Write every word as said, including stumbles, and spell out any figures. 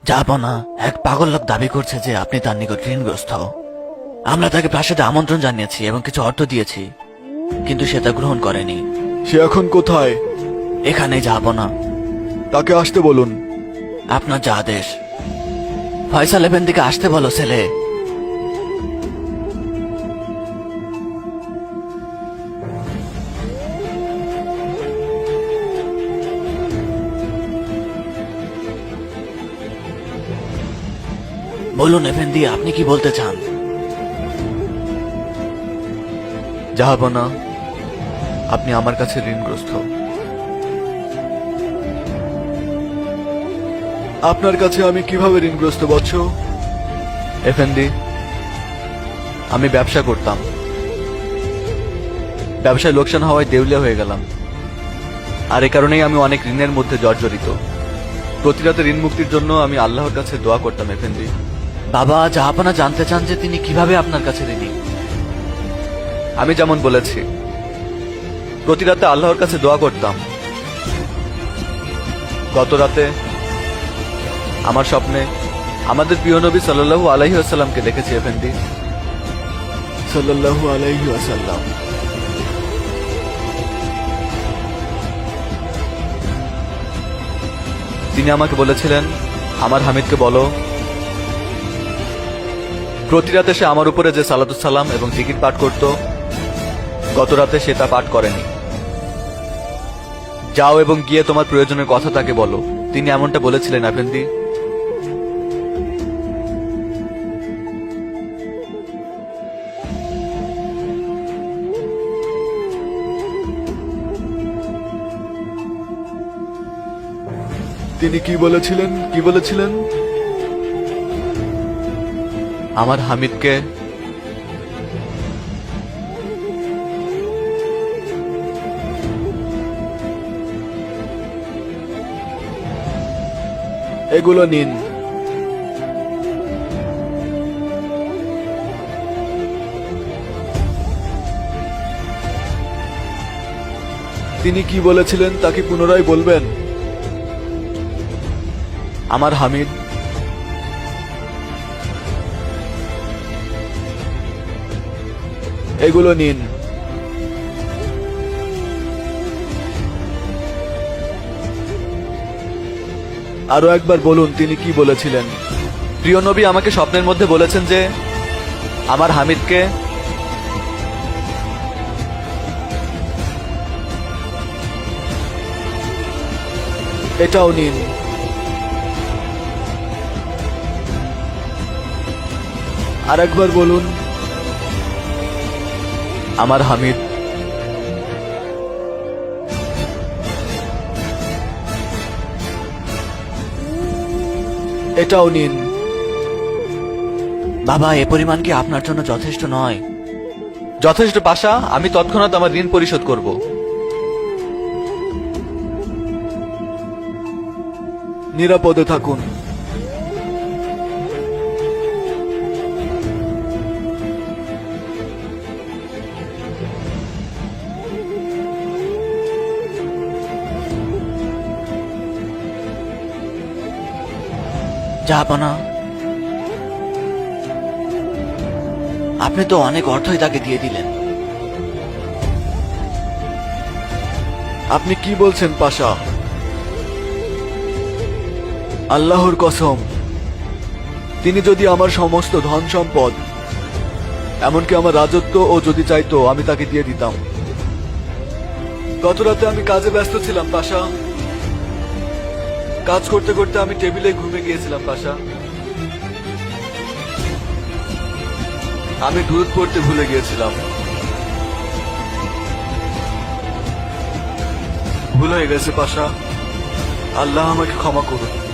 জাহাপনা, এক পাগল লোক দাবি করছে যে আপনি তার নিকট ঋণগ্রস্ত। আমরা তাকে প্রাসাদে আমন্ত্রণ জানিয়েছি এবং কিছু অর্থ দিয়েছি, কিন্তু সে তা গ্রহণ করেনি। সে এখন কোথায়? এখানে জাহাপনা। তাকে আসতে বলুন। আপনার যা আদেশ। ফয়সাল এফেন্দিকে আসতে বলো ছেলে। বলুন এফেন্দি, আপনি কি বলতে চান? জাহাপনা, আপনি আমার কাছে ঋণগ্রস্ত। আপনার কাছে আমি কিভাবে ঋণগ্রস্ত বৎস? এফেন্দি, আমি ব্যবসা করতাম। ব্যবসায় লোকসান হওয়ায় দেউলিয়া হয়ে গেলাম, আর এ কারণেই আমি অনেক ঋণের মধ্যে জর্জরিত। প্রতি রাতে ঋণ মুক্তির জন্য আমি আল্লাহর কাছে দোয়া করতাম। এফেন্দি, বাবা, জাহাপনা জানতে চান যে তিনি কিভাবে আপনার কাছে ঋণী। আমি যেমন বলেছি, প্রতি রাতে আল্লাহর কাছে দোয়া করতাম। গত রাতে আমার স্বপ্নে আমাদের প্রিয় নবী সাল্লাল্লাহু আলাইহি ওয়াসাল্লামকে দেখেছি। এফেন্দি, সাল্লাল্লাহু আলাইহি ওয়াসাল্লাম। তিনি আমাকে বলেছিলেন, আমার হামিদকে বলো প্রতি রাতে সে আমার উপরে যে সালাতুস সালাম এবং জিকির পাঠ করত, গত রাতে সে তা পাঠ করেনি। যাও এবং গিয়ে তোমার প্রয়োজনের কথা তাকে বলো। তিনি এমনটা বলেছিলেন। আফেন্দি, তিনি কি বলেছিলেন? কি বলেছিলেন? আমার হামিদকে এগুলো নিন। তিনি কি বলেছিলেন তা কি পুনরায় বলবেন? আমার হামিদ এগুলো নিন। আরো একবার বলুন তিনি কি বলেছিলেন। প্রিয় নবী আমাকে স্বপ্নের মধ্যে বলেছেন যে আমার হামিদকে এটাও নিন। আর একবার বলুন, আমার হামিদ এটাও নিন। বাবা, এ পরিমাণ কি আপনার জন্য যথেষ্ট নয়? যথেষ্ট পাশা, আমি তৎক্ষণাৎ আমার ঋণ পরিশোধ করব। নিরাপদে থাকুন। জাহাপনা, আপনি তো অনেক অর্থই তাকে দিয়ে দিলেন। আপনি কি বলছেন পাশা? আল্লাহর কসম, তিনি যদি আমার সমস্ত ধন সম্পদ, এমনকি আমার রাজত্ব ও যদি চাইতো, আমি তাকে দিয়ে দিতাম। গত রাতে আমি কাজে ব্যস্ত ছিলাম পাশা। কাজ করতে করতে আমি টেবিলে ঘুমে গিয়েছিলাম পাশা। আমি দুধ পড়তে ভুলে গিয়েছিলাম। ভুল হয়ে গেছে পাশা, আল্লাহ আমাকে ক্ষমা করুন।